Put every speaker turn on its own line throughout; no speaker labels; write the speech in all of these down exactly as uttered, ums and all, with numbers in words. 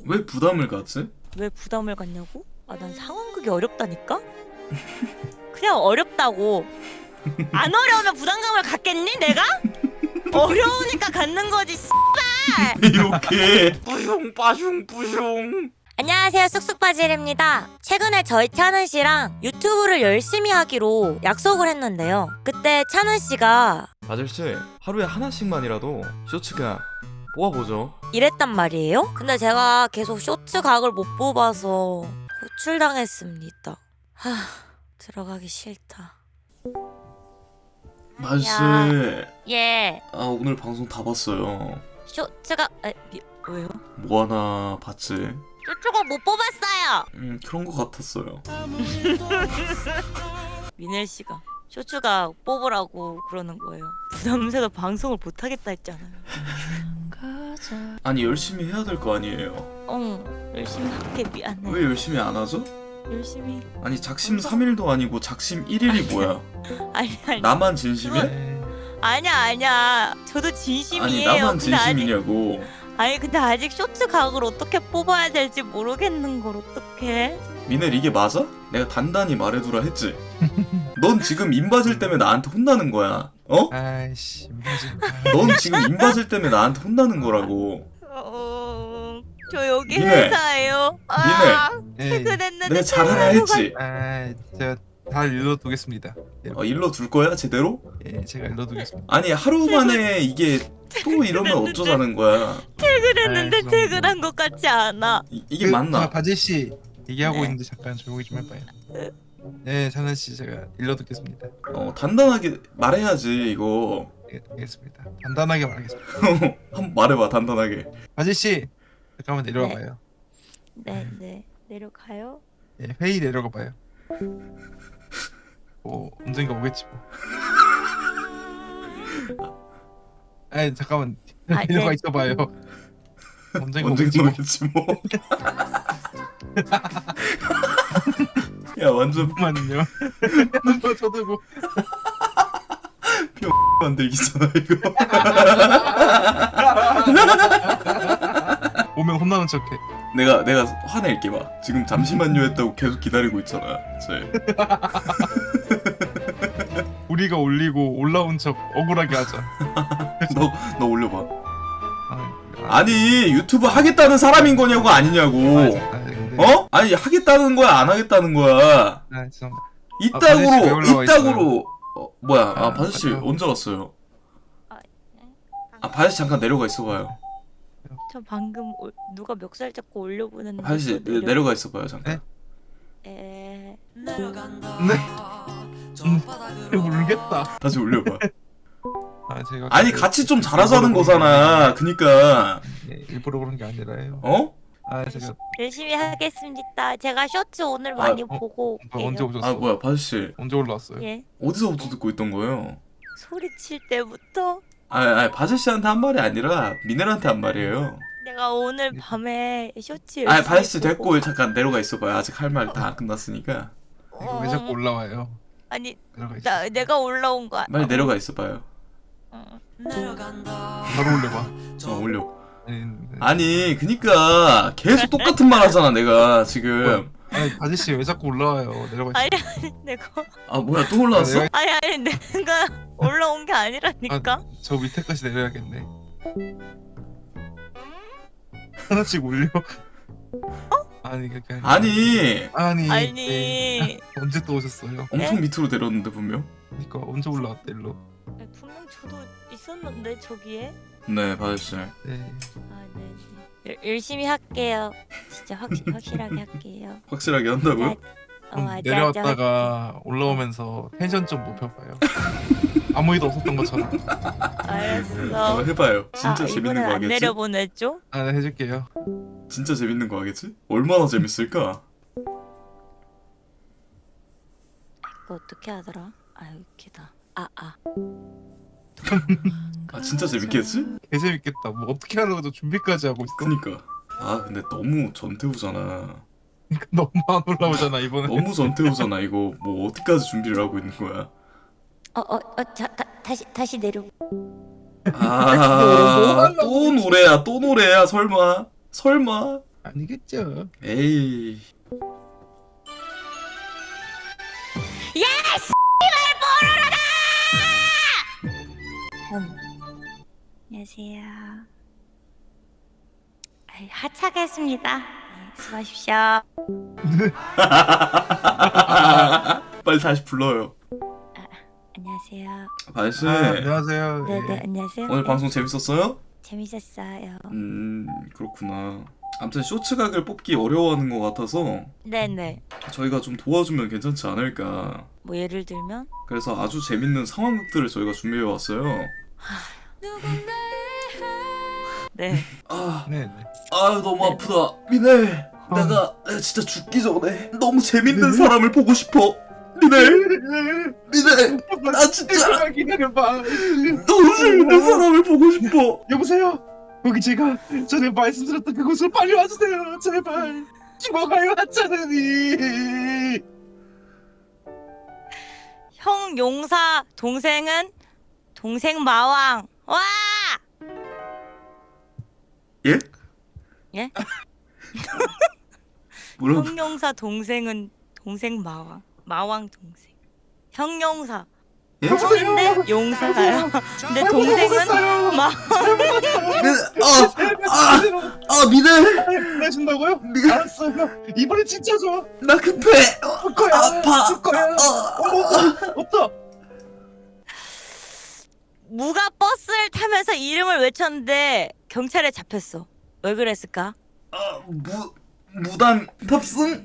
왜 부담을 갖지?
왜 부담을 갖냐고? 아, 난 상황극이 어렵다니까? 그냥 어렵다고. 안 어려우면 부담감을 갖겠니 내가? 어려우니까 갖는 거지.
이렇게 뿌숑 빠숑 뿌숑.
안녕하세요, 쑥쑥바질입니다. 최근에 저희 찬은 씨랑 유튜브를 열심히 하기로 약속을 했는데요. 그때 찬은 씨가
아저씨 하루에 하나씩만이라도 쇼츠 그냥 뽑아보죠.
이랬단 말이에요. 근데 제가 계속 쇼츠 각을 못 뽑아서 호출당했습니다. 하, 들어가기 싫다.
마씨,
예,
아 오늘 방송 다 봤어요.
쇼츠가 에, 미, 왜요?
뭐 하나 봤지?
쇼츠가 못 뽑았어요.
음 그런 거 같았어요.
미넬 씨가 쇼츠가 뽑으라고 그러는 거예요. 부담스러워 방송을 못 하겠다 했잖아요.
아니 열심히 해야 될 거 아니에요.
어, 열심히 할게. 미안해.
왜 열심히 안 하죠?
열심히.
아니 작심 삼 일도 아니고 작심 일 일이 뭐야?
아니 아니.
나만 진심이야?
아니야 아니야. 저도 진심이에요.
아니 나만
근데 아직-
진심이냐고.
아니 근데 아직 쇼츠 각을 어떻게 뽑아야 될지 모르겠는 걸 어떡해?
미넬 이게 맞아? 내가 단단히 말해두라 했지. 넌 지금 인바질 때문에 나한테 혼나는 거야. 어?
아이씨 민지.
넌 지금 인바질 때문에 나한테 혼나는 거라고.
어, 저 여기
미네.
회사예요. 아,
예.
퇴근했는데
내가 잘하라 했지.
아 제가 다 일러두겠습니다. 예,
어, 일러 둘 거야 제대로?
예 제가 일러두겠습니다.
아니 하루 만에 이게 또 이러면 어쩌자는 거야.
퇴근했는데
아이,
퇴근한 것 같지 않아.
이, 이게
그,
맞나?
저 바지 씨 얘기하고
네.
있는데 잠깐 조용히 좀 해봐요. 네 찬은 씨 제가 일러두겠습니다.
어 단단하게 말해야지 이거.
예, 알겠습니다. 단단하게 말하겠습니다.
한번 말해봐 단단하게.
바지 씨 잠깐만 내려와봐요.
네, 네. 내려가요.
예, 회의 내려가봐요. 뭐 언젠가 오겠지 뭐. 아니 잠깐만
아,
내려가
네.
있어봐요. 언젠가
언제
오겠지 뭐.
오겠지 뭐. 야 완전
잠깐만요. 뭐 저도고.
만들기잖아 이거.
오면 혼나는 척해.
내가 내가 화낼게 봐. 지금 잠시만요 했다고 계속 기다리고 있잖아. 쟤.
우리가 올리고 올라온 척 억울하게 하자.
너 너 올려봐.
아,
아니 유튜브 하겠다는 사람인 거냐고 아니냐고.
아, 아, 근데,
어? 아니 하겠다는 거야 안 하겠다는 거야.
아 죄송합니다.
이따구로
바지 씨 왜 올라와
이따구로 어, 뭐야? 아
아,
바지 씨
맞아요.
언제 왔어요?
아,
아 바지 씨 잠깐 내려가 있어봐요.
저 방금 올- 누가 멱살 잡고 올려보냈는데
바지 씨
또
내- 내려가 있어봐요 잠깐.
네?
에...
네. 음, 모르겠다.
다시 올려봐.
아 제가
아니
그-
같이 좀 잘하자는 거잖아. 그니까
예, 일부러 그런 게 아니라요.
어?
아 제가
열심히 하겠습니다. 제가 쇼츠 오늘
아,
많이
어,
보고
뭐 언제
올게요.
오셨어?
아 뭐야 바지 씨
언제 올라왔어요?
예,
어디서부터 듣고 있던 거예요?
소리칠 때부터
아, 아 바지 씨한테 한 말이 아니라 미넬한테 한 말이에요.
내가 오늘 밤에 쇼츠
아
열심히
바지 씨
보고-
됐고 잠깐 내려가 있어봐요. 아직 할 말 다 안 끝났으니까.
이거 왜 자꾸 올라와요?
아니
내려가 있어.
나 내가 올라온 거
빨리 내려가 있어봐요.
어.
바로 올려봐.
어 올려.
아니, 네.
아니 그니까 계속 똑같은 말 하잖아 내가 지금.
아니 바지 씨 왜 자꾸 올라와요? 내려가 있어.
아니 아니 내가
아 뭐야 또 올라왔어?
내가-
아니 아니 내가 올라온 게 아니라니까.
저 밑에까지 내려야겠네. 하나씩 올려. 아니 그게 아니라.
아니
아니 네.
아니
언제 또 오셨어요?
엄청 밑으로 내렸는데 분명.
그러니까 언제 올라왔대 일로?
분명 저도 있었는데 저기에.
네 바지 씨.
네.
아 네. 네. 열- 열심히 할게요. 진짜 확 확실하게 할게요.
확실하게 한다고요?
어,
좀
맞아,
내려왔다가 올라오면서 텐션 좀 높여봐요. 아무 일도 없었던 것처럼.
알았어.
어, 해봐요. 진짜
아,
재밌는
이번엔
거
안
하겠지?
내려보냈죠?
아, 네, 해줄게요.
진짜 재밌는 거 하겠지? 얼마나 재밌을까?
이거 어떻게 하더라? 아 여기다. 아 아.
아 진짜 재밌겠지?
개 재밌겠다. 뭐 어떻게 하려고 준비까지 하고 있어?
그니까. 아 근데 너무 전태우잖아.
너무 안 올라오잖아 이번에.
너무 전태우잖아 이거. 뭐 어디까지 준비를 하고 있는 거야?
어어어자 다시 다시 내려.
아, 또 노래야, 또 노래야, 설마, 설마.
아니겠죠.
에이.
음. 안녕하세요. 아이, 하차겠습니다. 네, 수고하십시오.
빨리 다시 불러요.
안녕하세요.
아저씨.
아, 안녕하세요.
네네
예.
안녕하세요.
오늘
네,
방송 재밌었어요?
재밌었어요.
음 그렇구나. 아무튼 쇼츠 각을 뽑기 어려워하는 것 같아서
네네.
저희가 좀 도와주면 괜찮지 않을까.
뭐 예를 들면
그래서 아주 재밌는 상황극들을 저희가 준비해 왔어요.
네.
아,
네. 네.
아 너무 아프다. 미네, 내가 내가 진짜 죽기 전에 너무 재밌는 사람을 보고 싶어. 미네, 미네, 나 진짜
잠깐만 기다려봐.
너무 재밌는 사람을 보고 싶어.
여보세요. 거기 제가 전에 말씀드렸던 그곳으로 빨리 와주세요. 제발. 죽어가요 하찮으니.
형 용사 동생은 동생 마왕. 와!
예?
예?
뭐라고?
형 용사 동생은 동생 마왕. 마왕 동생. 형 용사.
예?
형인데 용사가요. 근데 동생은 마.
미네, 아, 아, 아 미네,
내준다고요?
미네,
알았어요. 이번엔 진짜 줘.
나 급해. 어,
줄 거야.
아파.
줄 거야.
어,
어, 없다.
무가 버스를 타면서 이름을 외쳤는데 경찰에 잡혔어. 왜 그랬을까?
아, 무 무단 탑승?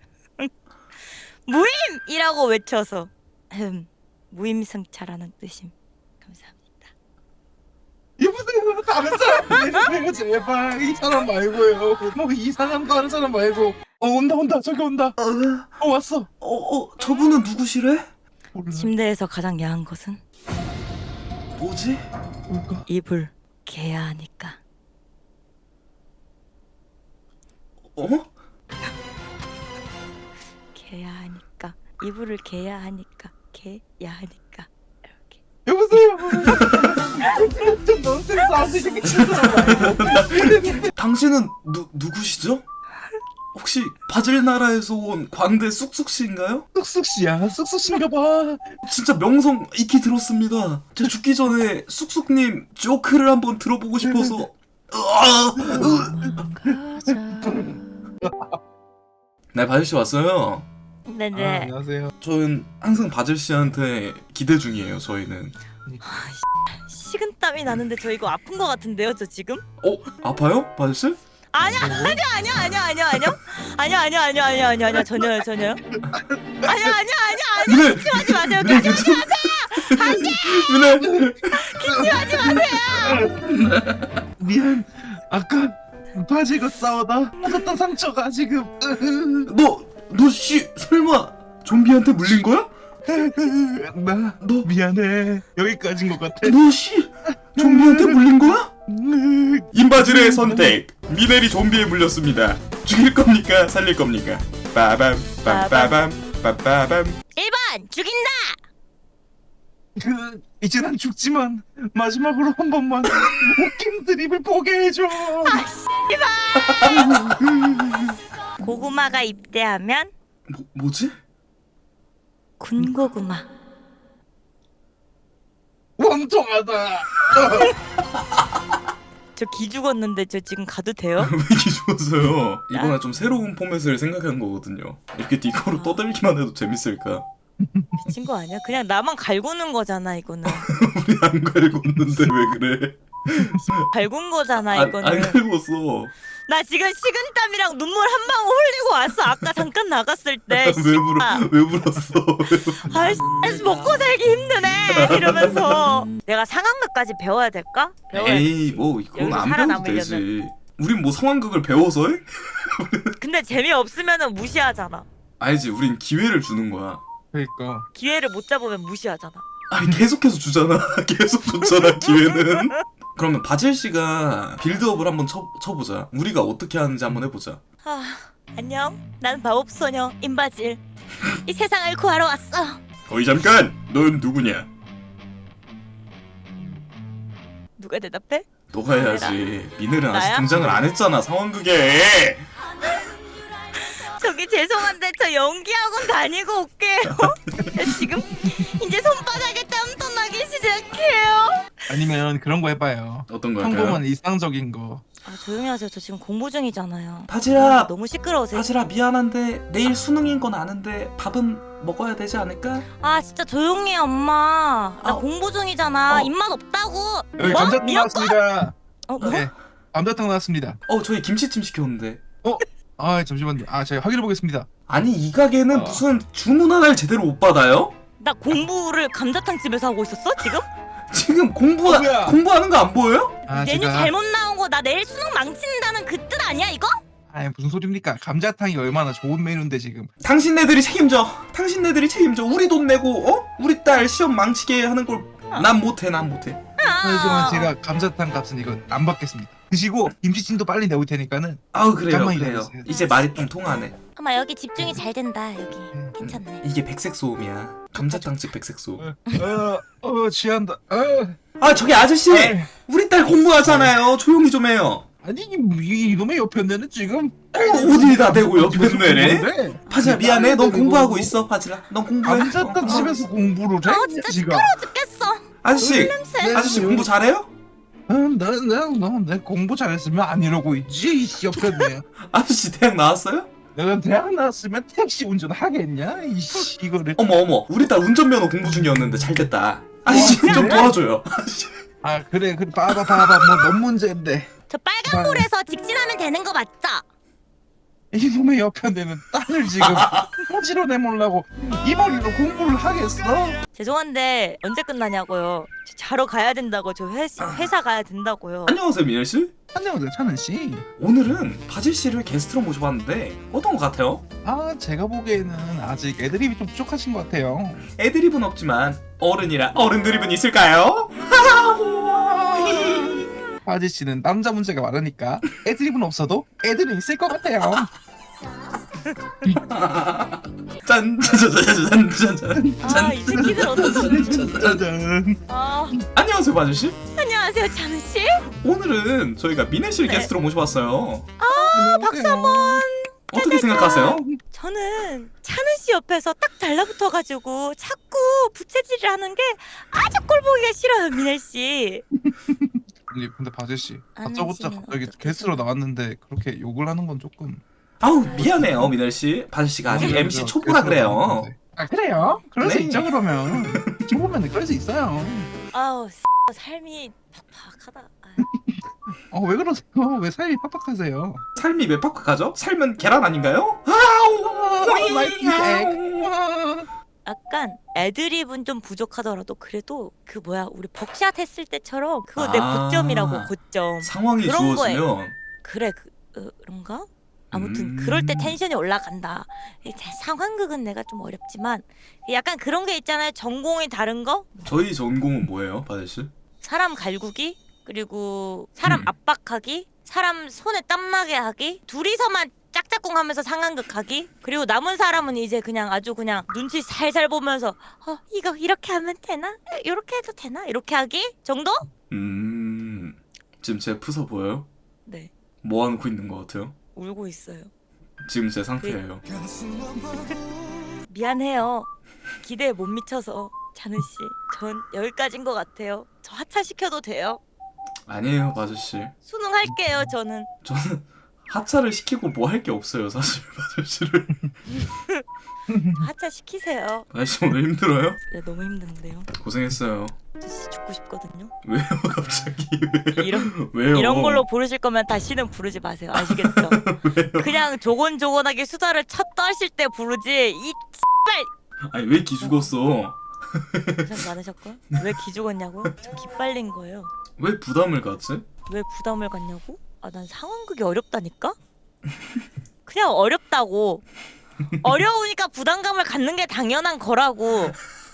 무임이라고 외쳐서. 흠, 무임승차라는 뜻임. 감사합니다.
여보세요. 다른 사람 내주세요. 제발. 이 사람 말고요. 뭐 이상한 거 하는 사람 말고. 어 온다 온다. 저기 온다.
어,
어 왔어.
어, 어, 저분은 누구시래?
몰라.
침대에서 가장 야한 것은
뭐지?
뭘까?
이불 개야 하니까.
어?
개야 하니까. 이불을 개야 하니까. 개야 하니까. 이렇게.
여보세요. 좀 넌센스 아저씨 새끼 친구라 말고.
당신은 누 누구시죠? 혹시 바질 나라에서 온 광대 쑥쑥씨인가요?
쑥쑥 씨야. 쑥쑥 씨인가 봐.
진짜 명성 익히 들었습니다. 제가 죽기 전에 쑥쑥님 조크를 한번 들어보고 싶어서. 으아, 으. 네, 바질 씨 왔어요.
아,
네네.
안녕하세요.
저는 항상 바질 씨한테 기대 중이에요. 저희는.
식은땀이 나는데 저 이거 아픈 거 같은데요, 저 지금?
어, 아파요, 바질 씨?
아니야, 아니야, 아니야, 아니야, 아니야, 아니야, 아니야, 아니야, 아니야, 아니야, 아니야, 아니야, 전혀요, 전혀요. 아니야, 아니야, 아니야, 아니야.
미네,
기침하지 마세요,
미네,
기침하지
괜찮- 미네.
기침하지 마세요.
미안. 아까 바지가 싸우다 받았던 상처가 지금.
너, 너 씨, 설마 좀비한테 물린 거야?
나
너,
미안해. 여기까지인 것 같아.
너 씨, 좀비한테 물린 거야? 임바질의 선택. 미넬이 좀비에 물렸습니다. 죽일 겁니까? 살릴 겁니까? 빠밤 빰빠밤 빰빠밤.
일 번 죽인다.
그 이제 난 죽지만 마지막으로 한 번만 웃긴 드립을 보게 해줘.
고구마가 입대하면
뭐, 뭐지?
군고구마.
원통하다.
저 기 죽었는데 저 지금 가도 돼요?
왜 이렇게 죽었어요? 이번에 좀 새로운 포맷을 생각한 거거든요. 이렇게 니코로 떠들기만 해도 재밌을까?
미친 거 아니야? 그냥 나만 갈구는 거잖아 이거는.
우리 안 갈궜는데 왜 그래?
갈군 거잖아
안,
이거는.
안 갈궜어.
나 지금 식은땀이랑 눈물 한 방울 흘리고 왔어. 아까 잠깐 나갔을 때.
왜 불어? 왜 불었어?
아이씨 먹고 살기 힘드네 이러면서 내가 상황극까지 배워야 될까? 배워야
에이, 뭐 이건
여기서
안 배워도
살아남으려면.
되지. 우린 뭐 상황극을 배워서 해?
근데 재미없으면 무시하잖아.
아니지, 우린 기회를 주는 거야.
그러니까
기회를 못 잡으면 무시하잖아.
아니 계속해서 주잖아. 계속 줬잖아 기회는. 그러면 바질 씨가 빌드업을 한번 쳐, 쳐보자. 우리가 어떻게 하는지 한번 해보자.
아, 안녕. 난 마법소녀 임바질. 이 세상을 구하러 왔어.
어이 잠깐! 넌 누구냐?
누가 대답해?
너가 해야지. 미넬은 아직
나야?
등장을 안 했잖아 상황극에.
저기 죄송한데 저 연기학원 다니고 올게요. 저 지금 이제 손바닥에 땀 떠나기 시작해요.
아니면 그런 거 해봐요.
어떤 거 할까요?
평범한 일상적인 거.
아 조용히 하세요. 저 지금 공부 중이잖아요.
바지라,
너무 시끄러우세요.
바지라 미안한데 내일 수능인 건 아는데 밥은 먹어야 되지 않을까?
아 진짜 조용히 해 엄마. 나
아,
공부 중이잖아.
어.
입맛 없다고.
여기
뭐?
감자탕
미역국?
나왔습니다.
어 뭐?
네, 감자탕 나왔습니다.
어 저희 김치찜 시켰는데.
아 잠시만요. 아 제가 확인해 보겠습니다.
아니 이 가게는
어.
무슨 주문 하나를 제대로 못 받아요?
나 공부를 감자탕 집에서 하고 있었어 지금?
지금 공부
어, 뭐야?
공부하는 거 안 보여요?
아
메뉴
제가
잘못 나온 거 나 내일 수능 망친다는 그 뜻 아니야 이거?
아 무슨 소리입니까? 감자탕이 얼마나 좋은 메뉴인데 지금.
당신네들이 책임져. 당신네들이 책임져. 우리 돈 내고 어? 우리 딸 시험 망치게 하는 걸 난 못해. 난 못해.
하지만 제가 감자탕 값은 이거 안 받겠습니다. 드시고 김치찜도 빨리 내올 테니까는.
아우 그래요.
잠깐만
그래요.
기다려주세요.
이제 말이 좀 통하네.
엄마 여기 집중이 잘 된다 여기 괜찮네.
이게 백색 소음이야. 감자탕집 백색 소음.
어, 어 취한다. 어.
아 저기 아저씨,
아이,
우리 딸 공부하잖아요. 조용히 좀 해요.
아니 이, 이- 이놈의 옆편네는 지금
어, 어디다 대고 옆에 내래?
공부인데?
바지라 미안해. 넌
아니,
공부하고
뭐-
있어. 바지라. 넌 공부해. 어,
감자탕
공부하고
집에서 공부를 해?
아 진짜
지가.
시끄러워 죽겠어.
아저씨,
냄새.
아저씨 공부 잘해요?
나나나나 공부 잘했으면 안 이러고 있지 이 옆편네.
아저씨 대학 나왔어요?
내가 대학 나왔으면 택시 운전 하겠냐? 이씨 이거를.
어머 어머, 우리 딸 운전면허 공부 중이었는데 잘 됐다. 아저씨
와,
좀
그래?
도와줘요. 아저씨.
아 그래 그래 봐봐 봐봐 뭐넌 문제인데.
저 빨간불에서 직진하면 되는 거 맞죠?
이놈의 옆편네는 딸을 지금 허지로 내몰라고 이 머리로 공부를 하겠어?
죄송한데 언제 끝나냐고요. 저 자러 가야 된다고. 저 회, 회사 가야 된다고요.
안녕하세요 민현 씨.
안녕하세요 찬은 씨.
오늘은 바질 씨를 게스트로 모셔봤는데 어떤 것 같아요?
아 제가 보기에는 아직 애드립이 좀 부족하신 것 같아요.
애드립은 없지만 어른이라 어른 드립은 있을까요?
아지 씨는 남자 문제가 많으니까 애드립은 없어도 애들은 있을 것 같아요.
짠짜자자잔짠짠.
아 이 새끼들 어떡하지?
짜잔.
아
안녕하세요 바질 씨.
안녕하세요 찬우 씨.
오늘은 저희가 민혜 씨를
네.
게스트로 모셔봤어요.
박수 한번.
어떻게 생각하세요?
저는 찬우 씨 옆에서 딱 달라붙어가지고 자꾸 부채질을 하는 게 아주 꼴보기가 싫어요 민혜 씨.
아니 근데 바지 씨
안
다짜고짜
하시면
갑자기
어떡해.
게스트로 나왔는데 그렇게 욕을 하는 건 조금.
아우 미안해요 민혜 씨. 바질 씨가 아직
맞아요,
엠씨
맞아요.
초보라
게스트로
그래요.
나왔는데. 아 그래요? 그럴 수
네.
있죠 그러면. 초보면 그럴 수 있어요.
아우 삶이 팍팍하다. 아유.
어 왜 그러세요? 왜 삶이 팍팍하세요?
삶이 왜 팍팍하죠? 삶은 계란 아닌가요? 아우
마이 픽.
약간 애드립은 좀 부족하더라도 그래도 그 뭐야 우리 벅샷 했을 때처럼 그거 내
아.
고점이라고 고점.
상황이
그런 거에.
주어지면
그래 그, 어, 그런가? 아무튼
음.
그럴 때 텐션이 올라간다. 이 자- 상황극은 내가 좀 어렵지만 약간 그런 게 있잖아요. 전공이 다른 거?
저희 전공은 뭐예요 바질 씨?
사람 갈구기 그리고 사람
음.
압박하기 사람 손에 땀나게 하기 둘이서만 짝짝꿍 하면서 상황극 하기 그리고 남은 사람은 이제 그냥 아주 그냥 눈치 살살 보면서 어 이거 이렇게 하면 되나? 이렇게 해도 되나? 이렇게 하기 정도?
음 지금 제 프서 보여요?
네
뭐 하고 있는 것 같아요?
울고 있어요.
지금 제 상태예요.
미안해요. 기대에 못 미쳐서 찬우 씨. 전 여기까지인 것 같아요. 저 하차시켜도 돼요?
아니에요 바질 씨.
수능 할게요 저는.
저는 하차를 시키고 뭐 할 게 없어요 사실 바질 씨를.
하차시키세요.
바질 씨 오늘 힘들어요?
네 너무 힘든데요.
고생했어요.
저 진짜 죽고 싶거든요.
왜요 갑자기 왜요?
이런
왜요?
이런 걸로 부르실 거면 다시는 부르지 마세요. 아시겠죠? 그냥 조곤조곤하게 수다를 첫 떠실 때 부르지. 이
아니 왜 기죽었어?
고생 많으셨고요. 왜 기죽었냐고요? 저 기빨린 거예요.
왜 부담을 갖지?
왜 부담을 갖냐고? 아 난 상황극이 어렵다니까? 그냥 어렵다고. 어려우니까 부담감을 갖는 게 당연한 거라고.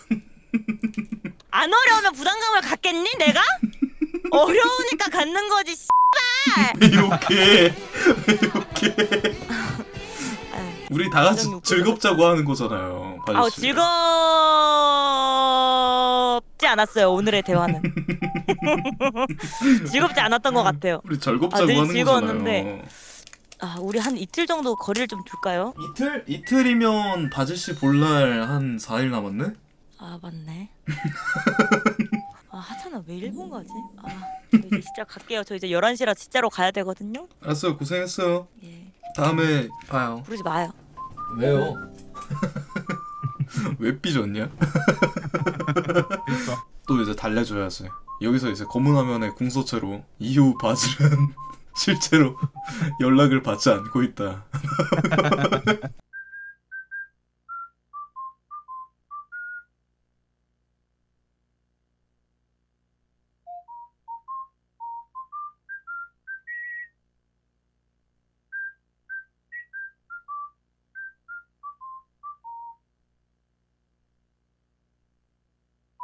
안 어려우면 부담감을 갖겠니 내가? 어려우니까 갖는 거지.
왜 이렇게 왜 이렇게
아유,
우리 다 같이
완전 욕구죠.
즐겁자고 하는 거잖아요 바질
아우
씨.
즐겁지 않았어요 오늘의 대화는. 즐겁지 않았던 것 같아요.
우리 절겁자고
아, 늘
하는
즐거웠는데.
거잖아요.
아 우리 한 이틀 정도 거리를 좀 둘까요?
이틀? 이틀이면 바지씨 볼날 한 사 일 남았네?
아 맞네. 아 하찮아 왜 일본 가지? 아 저 이제 진짜 갈게요. 저 이제 열한 시라 진짜로 가야 되거든요.
알았어요. 고생했어요.
예
다음에 봐요.
부르지 마요.
왜요?
왜 삐졌냐? 또 이제 달래줘야지. 여기서 이제 검은 화면에 궁서체로 이후 바질은 실제로 연락을 받지 않고 있다.